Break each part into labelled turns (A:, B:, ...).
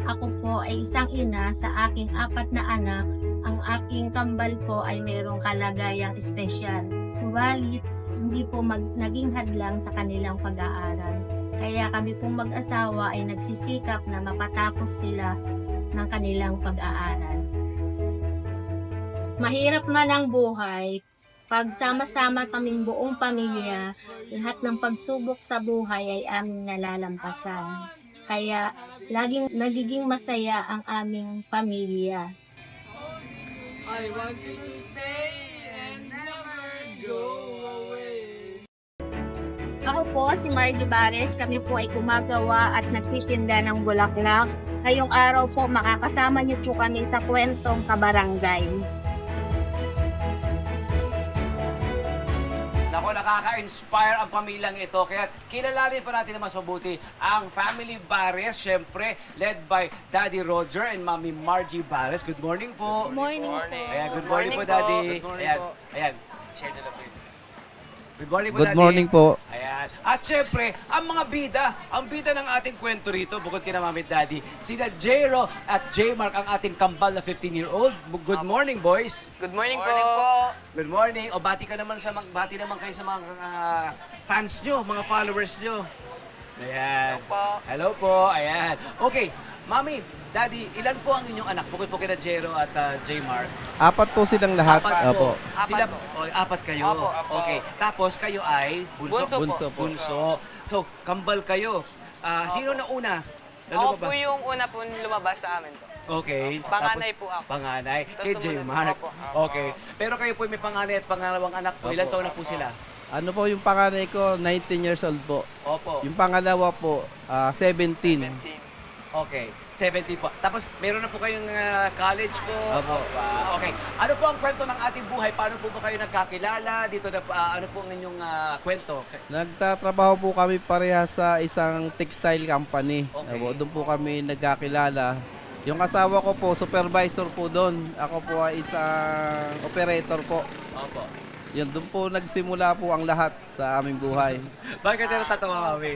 A: Ako po ay isang ina sa aking 4 na anak. Ang aking kambal po ay mayroong kalagayang espesyal. Subalit, hindi po naging hadlang sa kanilang pag-aaral. Kaya kami pong mag-asawa ay nagsisikap na mapatapos sila ng kanilang pag-aaral. Mahirap man ang buhay, pag sama-sama kaming buong pamilya, lahat ng pagsubok sa buhay ay aming nalalampasan. Kaya laging nagiging masaya ang aming pamilya.
B: I want you to stay and never go away.
A: Ako po si Margie Bares, kami po ay gumagawa at nagtitinda ng bulaklak. Ngayong araw po makakasama niyo po kami sa kwentong kabarangay.
C: Nako, nakaka-inspire ang pamilyang ito. Kaya kilalanin pa natin na mas mabuti ang Family Bares, syempre, led by Daddy Roger and Mami Margie Bares. Good morning po.
A: Morning po.
C: Ayan, good morning po, Daddy.
D: Good morning
C: Ayan,
D: po.
C: ayan. Share na lang po yun. Good morning po,
D: Good
C: Daddy.
D: morning po.
C: Ayan. At syempre, ang mga bida, ang bida ng ating kwento rito, bukod kina Mami at Daddy, sina Jero at J-Mark, ang ating kambal na 15-year-old. Good morning, boys.
E: Good morning,
D: Morning
E: po.
C: Good morning. O bati ka naman bati naman kayo sa mga fans nyo, mga followers nyo. Ayan.
E: Hello po.
C: Hello po. Ayan. Okay, Mami, Daddy, ilan po ang inyong anak? Bukod po kina Jero at J-Mark.
D: 4 po silang lahat.
C: Apat po.
D: Opo.
C: Sila,
E: Apat po.
C: 4 kayo.
E: Opo, opo.
C: Okay. Tapos kayo ay bunso?
E: Bunso po.
D: Bunso po.
C: So, kambal kayo. Sino na una?
E: Ako
C: ba?
E: po yung una po lumabas sa amin po.
C: Okay.
E: Panganay
C: Tapos,
E: po ako.
C: Panganay.
E: Tapos
C: Kay
E: sumunod
C: J-Mark.
E: po.
C: Okay. Pero kayo po may panganay at pangalawang anak po. Ilan
D: Opo.
C: taon na po sila?
D: Ano po yung panganay ko, 19 years old po.
C: Opo.
D: Yung pangalawa po, 17.
C: Okay. 70 po. Tapos, meron na po kayong college po.
D: Opo.
C: Wow. Okay. Ano po ang kwento ng ating buhay? Paano po ba kayo nagkakilala? Dito na, ano po ang inyong kwento?
D: Nagtatrabaho po kami pareha sa isang textile company.
C: Okay.
D: Opo, doon po kami nagkakilala. Yung asawa ko po, supervisor po doon. Ako po ay isang operator po.
C: Opo.
D: Yan, doon po nagsimula po ang lahat sa aming buhay.
C: Bakit kayo natatawa kami?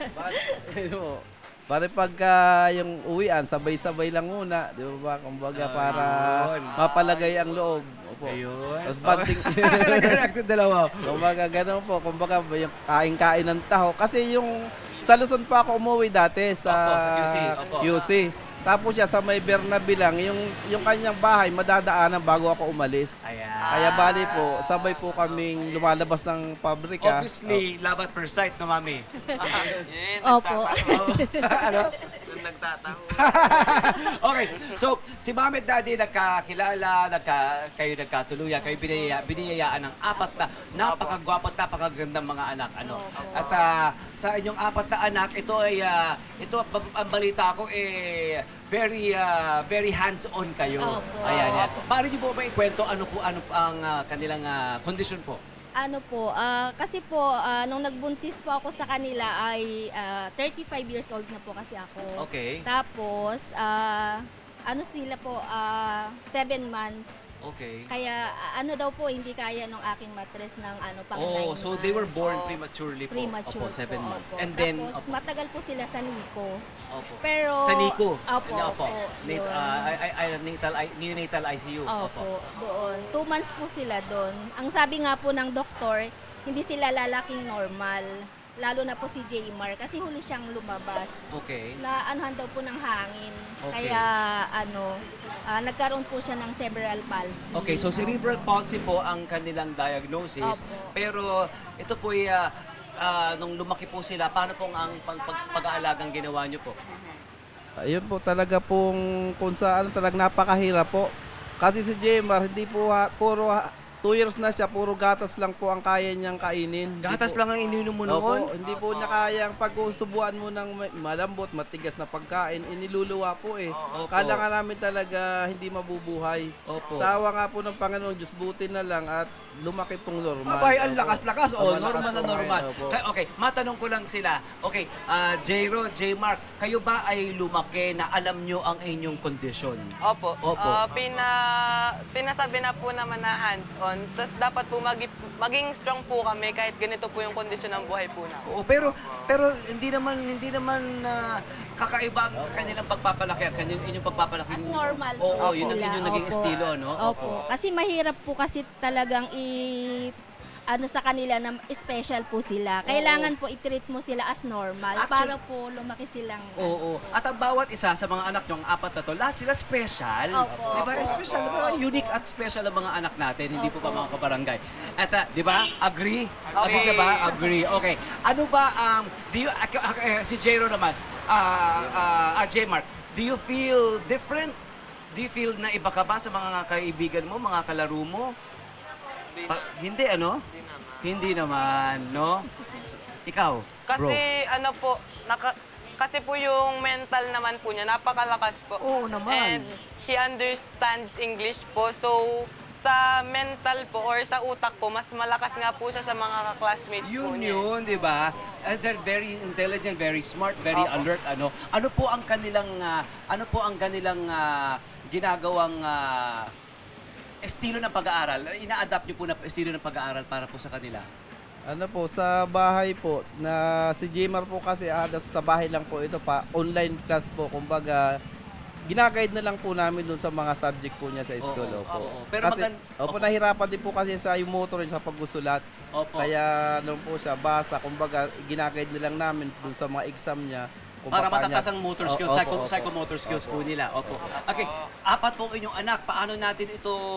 D: Pare pagka yung uwian, sabay-sabay lang muna. Di ba ba? Kumbaga para
C: Ayun.
D: mapalagay ang loob. Opo.
C: Ayun.
D: Tapos banding.
C: Nag-reacted dalawa.
D: Kumbaga ganun po. Kumbaga yung kain-kain ng taho. Kasi yung sa Luzon pa ako umuwi dati sa
C: Opo, sa QC. Opo.
D: QC. Tapos siya sa may Bernabe lang, yung kanyang bahay madadaanan bago ako umalis.
C: Ayan.
D: Kaya bali po, sabay po kaming lumalabas ng pabrika.
C: Obviously, love at first sight, no, Mami?
A: Opo.
C: Ano?
E: Doon nagtataho.
C: Okay, so si Mami at Daddy nagkakilala, kayo nagkatuluyan, kayo biniyayaan ng 4 na napakagwapo at napakagandang mga anak. Ano? At sa inyong 4 na anak, ito ay, ang balita ko, very hands-on kayo.
A: Opo.
C: Ayan, yan. Paano niyo po ba ikwento ano ang kanilang kondisyon po?
F: Ano po, kasi po, nung nagbuntis po ako sa kanila ay 35 years old na po kasi ako.
C: Okay.
F: Tapos, ano sila po, 7 months.
C: Okay.
F: Kaya ano daw po, hindi kaya nung aking matres ng pang 9
C: Oh, so they were
F: months.
C: born prematurely po.
F: Premature
C: Opo, 7
F: po,
C: months.
F: opo.
C: And then,
F: Tapos, matagal po sila sa NICU.
C: opo.
F: Pero,
C: Sa NICU?
F: Opo, opo.
C: Nat-
F: yun.
C: neonatal ICU.
F: Opo, doon. 2 months po sila doon. Ang sabi nga po ng doktor, hindi sila lalaking normal. Lalo na po si J-Mar kasi huli siyang lumabas.
C: Okay.
F: Na anuhan daw po ng hangin.
C: Okay.
F: Kaya nagkaroon po siya ng cerebral palsy.
C: Okay, so cerebral palsy po ang kanilang diagnosis.
F: Opo.
C: Pero ito po ay nung lumaki po sila, paano pong ang pag-aalagang ginawa niyo po?
D: Ayun po talaga pong kung saan talagang napakahirap po. Kasi si Jemar, hindi po puro 2 years na siya, puro gatas lang po ang kaya niyang kainin.
C: Gatas
D: Hindi po-
C: lang ang ininom mo noon?
D: Opo, hindi po niya kayang pagsusubuan mo ng malambot, matigas na pagkain, iniluluwa po eh.
C: Opo.
D: Kala nga namin talaga hindi mabubuhay.
C: Opo.
D: Sa awa nga po ng Panginoon, Diyos buti na lang at lumaki pong normal.
C: Abay, ang
D: Opo.
C: lakas-lakas.
D: Ang
C: Oh,
D: malakas
C: normal na
D: po
C: normal.
D: ngayon, opo.
C: Okay, matanong ko lang sila. Okay, J-Ro, J-Mark, kayo ba ay lumaki na alam nyo ang inyong kondisyon?
E: Opo.
C: Opo.
E: Pinasabi na po naman na hands-on panahon. Tapos dapat po maging strong po kami kahit ganito po yung kondisyon ng buhay po namin.
C: Oo, pero hindi naman kakaiba ang kanilang pagpapalaki, ang inyong pagpapalaki.
F: As normal po
C: Oo, yun ang
F: sila.
C: inyong naging
F: Opo.
C: estilo, no?
F: Opo. Kasi mahirap po kasi talagang sa kanila na special po sila. Kailangan po i-treat mo sila as normal
C: Actually-
F: para po lumaki silang
C: Oo. At ang bawat isa sa mga anak nyo, ang apat na to, lahat sila special.
F: Opo.
C: Di ba? Special. Diba? Unique at special ang mga anak natin, hindi po pa mga kabarangay. At di ba? Agree? Agree ka ba? Agree. Okay. Ano ba si Jero naman, J-Mark, do you feel different? Do you feel na iba ka ba sa mga kaibigan mo, mga kalaro mo? Hindi, ano? Hindi naman, no? Ikaw, bro.
E: Kasi ano po, kasi po yung mental naman po niya, napakalakas po.
C: Oo naman.
E: And he understands English po. So, sa mental po or sa utak po, mas malakas nga po siya sa mga classmates po niya.
C: Yun, di ba? And they're very intelligent, very smart, very alert. Ano po ang kanilang ginagawang estilo ng pag-aaral? Ina-adapt niyo po na estilo ng pag-aaral para po sa kanila?
D: Ano po, sa bahay po, na si Jmar po kasi sa bahay lang po ito pa, online class po, kumbaga, ginaguide na lang po namin dun sa mga subject po niya sa school.
C: Oo,
D: Opo.
C: oo. Pero
D: kasi, nahirapan din po kasi sa yung motor sa paggusulat.
C: Opo.
D: Kaya ano po siya, basa, kumbaga, ginaguide na lang namin dun sa mga exam niya. Kung
C: Para
D: papaano
C: matatas
D: niya-
C: ang motor
D: Opo,
C: skills,
D: opo.
C: psychomotor skills po nila. Opo. Okay, apat po inyong anak. Paano natin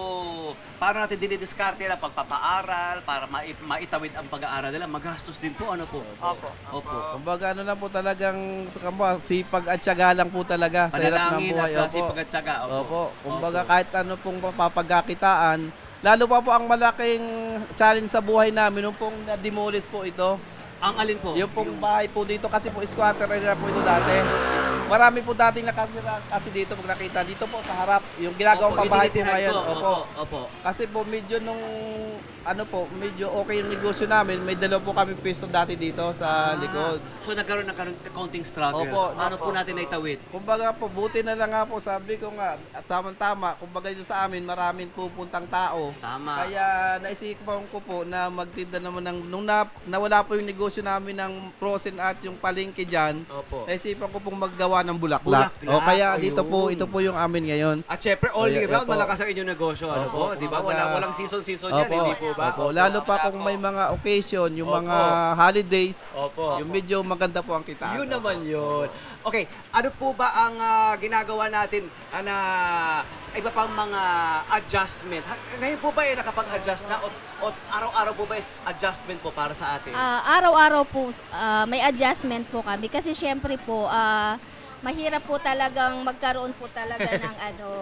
C: dinidiskarte na pagpapaaral para maitawid ang pag-aaral nila? Magastos din po, ano po?
E: Opo.
C: Opo.
D: Kumbaga ano lang po talagang sipag at tiyaga lang po talaga sa hirap ng
C: Panalangin
D: buhay.
C: at sipag at tiyaga.
D: Opo. Kumbaga kahit ano pong mapapagkakitaan, lalo pa po ang malaking challenge sa buhay namin nung pong na-demolish po ito.
C: Ang alin po?
D: Yung pong bahay po dito kasi po squatter area po ito dati. Marami po dating nakasira kasi dito pag nakita dito po sa harap yung ginagawang
C: Opo,
D: pabahay po
C: itinitirahan
D: ngayon.
C: ko.
D: Opo.
C: Opo.
D: Kasi po medyo medyo okay yung negosyo namin. May dalawa po kami piso dati dito sa likod.
C: So nagkaroon ng counting struggle.
D: Opo.
C: Paano po natin naitawid?
D: Kumbaga po, buti na lang nga po, sabi ko nga, at tamang-tama, kumbaga dito sa amin, maraming pupuntang tao.
C: Tama.
D: Kaya naisipan ko po na magtinda naman nung nawala po yung negosyo namin ng frozen at yung palengke dyan,
C: Opo.
D: naisipan ko pong maggawa ng bulaklak.
C: Bulaklak,
D: O kaya dito po,
C: ayun.
D: ito po yung amin ngayon.
C: At syempre, all year
D: Opo.
C: round, malakas ang inyong negosyo. Ano po?
D: Opo.
C: Di ba?
D: Kumbaga-
C: Walang season yan, hindi po ba?
D: Opo. Lalo pa kung may mga occasion, yung
C: Opo.
D: mga holidays,
C: Opo.
D: yung medyo maganda po ang kitaan.
C: Yun naman yun. Okay, ano po ba ang ginagawa natin na iba pang mga adjustment? Ngayon po ba nakapag-adjust na o araw-araw po ba is adjustment po para sa atin?
F: Araw-araw po may adjustment po kami kasi syempre po mahirap po talagang magkaroon po talaga ng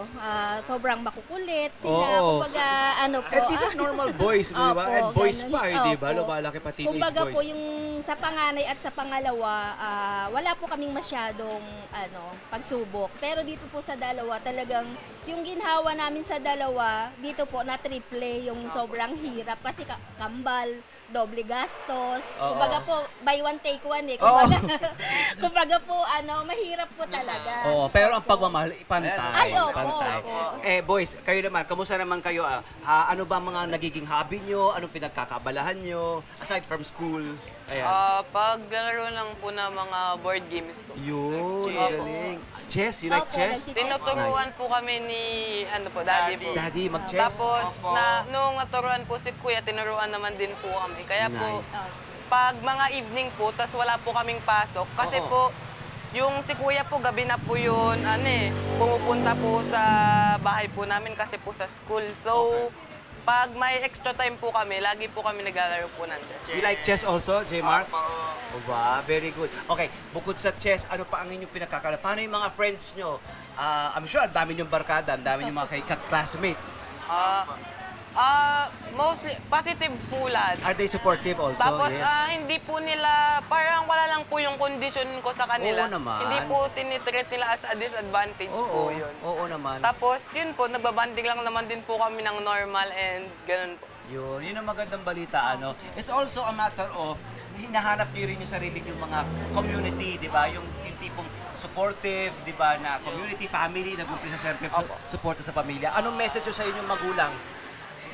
F: sobrang makukulit sila.
C: Oo.
F: Kumbaga po.
C: And these are normal boys, di ba?
F: Opo,
C: And boys
F: ganun.
C: pa, di ba?
F: Opo.
C: Lumalaki pa teenage
F: Kumbaga
C: boys.
F: po yung sa panganay at sa pangalawa, wala po kaming masyadong pagsubok. Pero dito po sa dalawa, talagang yung ginhawa namin sa dalawa, dito po na triple yung sobrang hirap kasi kambal, doble gastos.
C: Oo.
F: Kumbaga po, buy one take one eh.
C: Oo.
F: Kumbaga po, mahirap po talaga.
C: Oo, pero ang pagmamahal, pantay.
F: Ay, opo,
C: pantay.
F: opo.
C: Boys, kayo naman, kamusta naman kayo? Ano ba mga nagiging hobby nyo? Anong pinagkakabalahan nyo? Aside from school? Ayan.
E: Paglaro lang po ng mga board games po.
C: Yun,
E: Chess.
C: galing. Chess? You like
F: Opo,
C: chess?
F: nagti-chess.
E: Tinuturuan po kami ni, daddy po.
C: Daddy, mag-chess?
E: Tapos, nung naturuan po si Kuya, tinuruan naman din po kami. Kaya po,
C: Nice.
E: pag mga evening po, tas wala po kaming pasok, kasi
C: Oo.
E: po, yung si Kuya po, gabi na po yun, pumupunta po sa bahay po namin kasi po sa school. So, pag may extra time po kami, lagi po kami naglalaro po ng chess.
C: You like chess also, J. Mark? Oh, ba, very good. Okay, bukod sa chess, ano pa ang inyong pinagkakala? Paano yung mga friends nyo? I'm sure, ang dami nyong barkada, ang dami nyong mga classmate.
E: Mostly, positive po lahat.
C: Are they supportive also?
E: Tapos,
C: Yes.
E: hindi po nila, parang wala lang po yung condition ko sa kanila.
C: Oo naman.
E: Hindi po tinitreat nila as a disadvantage po yun.
C: Oo naman.
E: Tapos, yun po, nagbabanding lang naman din po kami ng normal and ganun po.
C: Yun ang magandang balita, It's also a matter of hinahanap niyo rin yung sarili yung mga community, di ba? Yung tipong supportive, di ba, na community, family, nag-umpisa siyempre suporta sa pamilya. Anong message nyo sa inyong magulang?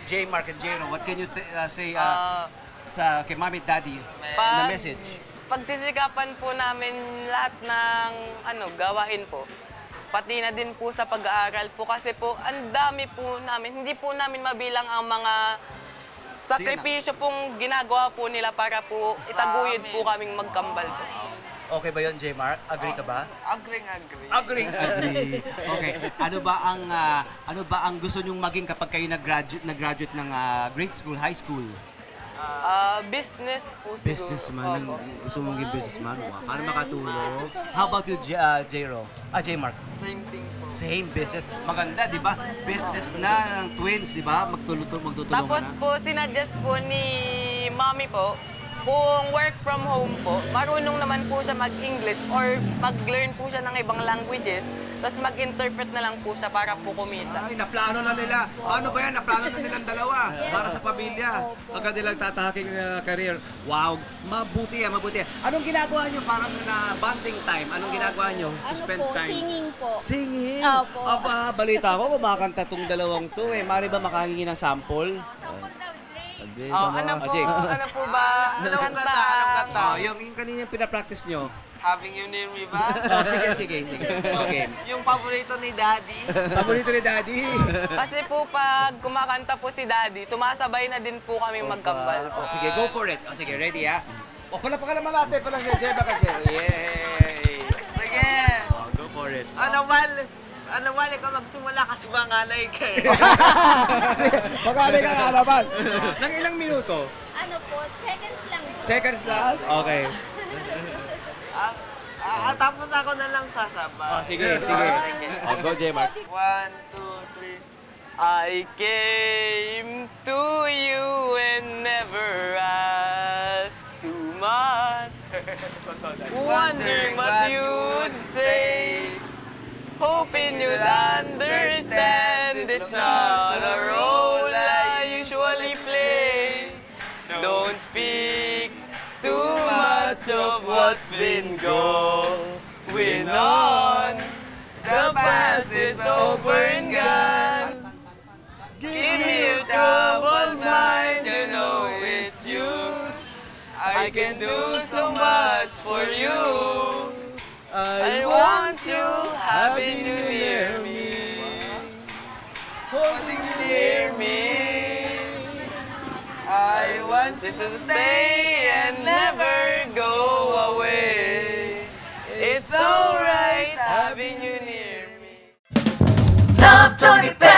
C: J. Mark and Jero, what can you say
E: Ah,
C: sa kay Mami at Daddy na
E: Pag-
C: message?
E: Pagsisikapan po namin lahat ng gawain po. Pati na din po sa pag-aaral po kasi po ang dami po namin, hindi po namin mabilang ang mga sakripisyo pong ginagawa po nila para po itaguyod po kaming magkambal po.
C: Okay ba yon, J. Mark? Agree ka ba?
B: Agree.
C: Agree. Okay. Ano ba ang gusto nyong maging kapag kayo nag-graduate ng grade school, high school?
E: Business po siguro.
C: Businessman.
E: Opo.
C: Gusto mong maging businessman?
F: Businessman.
C: Paano makatulong? How about you, J-Ro? J. Mark?
B: Same thing po.
C: Same business. Maganda, di ba? Business na ng twins, di ba? Magtutulungan
E: Tapos
C: na.
E: po, sinadjust po ni Mommy po, kung work from home po, marunong naman po siya mag-English or mag-learn po siya ng ibang languages, tapos mag-interpret na lang po siya para po kumita.
C: Ay, naplano na nila. Paano ba yan? Naplano na nilang dalawa para sa pamilya.
F: Opo.
C: Ang kanilang tatahaking career. Wow, mabuti yan, mabuti yan. Anong ginagawa nyo parang na bonding time? Anong ginagawa nyo to
F: Ano
C: spend
F: po,
C: time?
F: singing po.
C: Singing?
F: Opo.
C: Aba, balita ko, kumakanta tong dalawang to eh. Mari ba makahingi ng sample?
D: Jay,
E: Oh,
D: sama.
E: ano po,
C: Jake.
E: ano po ba?
B: Anong kanta? Anong kanta?
C: Yung kanina pinapractice nyo.
B: Having you near me ba?
C: Oh, sige. Okay.
B: Yung paborito ni Daddy.
C: Paborito ni Daddy.
E: Kasi po pag kumakanta po si Daddy, sumasabay na din po kami magkambal po.
C: Oh, sige, go for it. Oh, sige, ready ha? O, palapakan naman natin. Pala si Jeba kasi. Yay!
B: Sige.
C: Oh, go for it.
B: Ano ba, ikaw magsimula kasi manganay ka eh.
C: Magkali ka nga naman. Nang ilang minuto?
F: Ano po, seconds lang po.
C: Seconds lang? Okay.
B: Tapos ako na lang sasabay.
C: Oh, sige. Oh, go, J-Mark.
B: 1, 2, 3.
E: I came to you and never asked too much. Wondering what you'd say. Hoping you'd understand it's not a role I usually play. Don't speak too much of what's been going on. The past is over and gone. Give me your troubled mind, you know it's used. I can do so much for you. I want you having you near me, holding you near me. I want you to stay and never go away. It's alright having you near me.
G: Love Johnny